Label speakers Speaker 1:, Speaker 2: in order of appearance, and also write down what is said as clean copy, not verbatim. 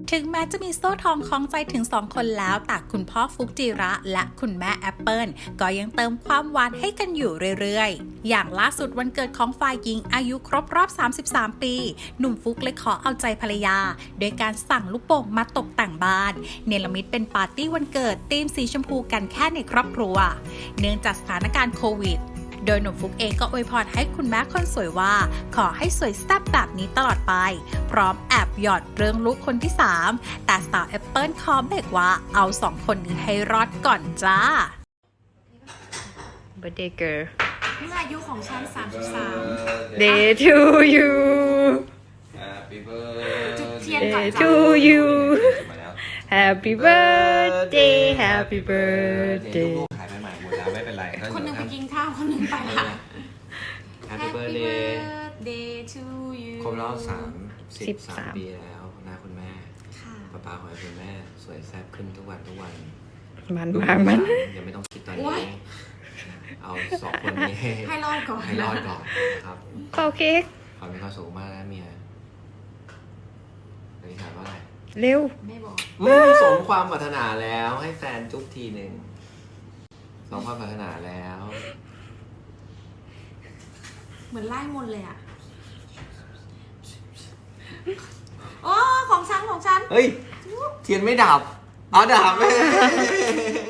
Speaker 1: ถึงแม้จะมีโซ่ทองคล้องใจถึง2คนแล้วแต่คุณพ่อฟุกจิระและคุณแม่แอปเปิลก็ยังเติมความหวานให้กันอยู่เรื่อยๆอย่างล่าสุดวันเกิดของฝ่ายหญิงอายุครบรอบ33ปีหนุ่มฟุกเลยขอเอาใจภรรยาโดยการสั่งลูกโป่งมาตกแต่งบ้านเนรมิตเป็นปาร์ตี้วันเกิดธีมสีชมพูกันแค่ในครอบครัวเนื่องจากสถานการณ์โควิดโดยหนุ่มฟุกเองก็อวยพรให้คุณแม่คนสวยว่าขอให้สวยแซ่บแบบนี้ตลอดไปพร้อมแอบหยอดเรื่องลูกคนที่3แต่สาวแอปเปิลขอเบรกว่าเอา2คนนี้ให้รอดก่อนจ้า
Speaker 2: Birthday girl
Speaker 3: นี่อายุของฉัน33
Speaker 2: Day to you
Speaker 4: Happy birthday
Speaker 3: จุดเทียนก่อน
Speaker 2: Day
Speaker 3: จ้ะ
Speaker 2: to you
Speaker 4: มาแล้ว
Speaker 2: Happy birthday Happy
Speaker 4: ลู
Speaker 2: birthday
Speaker 4: กๆหายไปใหม่หมดแล้วไม่เป็นไร
Speaker 3: คนหนึ่งไปกินข้าวคนหนึ่งไปละ
Speaker 4: Happy birthday
Speaker 3: birthday to you
Speaker 4: ครบรอบ33 ปีแล้วนะคุณแม่
Speaker 3: ค่ะ
Speaker 4: ป้าขอให้คุณแม่สวยแซ่บขึ้นทุกวัน
Speaker 2: มัน
Speaker 4: ลูก
Speaker 2: มากมัน
Speaker 4: ยังไม่ต้องคิดตอน
Speaker 3: โอ๊
Speaker 4: นี้
Speaker 3: ย
Speaker 4: เอา2 คนนี้
Speaker 3: ให้รอดก่อน
Speaker 4: ให้รอดก่อนนะครับ
Speaker 2: เป่าเค้ก
Speaker 4: ขอมีความสุขมากนะเมียอธิษฐานว่าอะไร
Speaker 2: เร็ว
Speaker 3: ไม่บอก
Speaker 4: สมความปรารถนาแล้วให้แฟนจุ๊บทีหนึ่งสมความปรารถนาแล้ว
Speaker 3: เหมือนไล่มนต์เลยอ่ะโอ้ของฉัน
Speaker 4: เฮ้ย เทียนไม่ดับ เอาดับ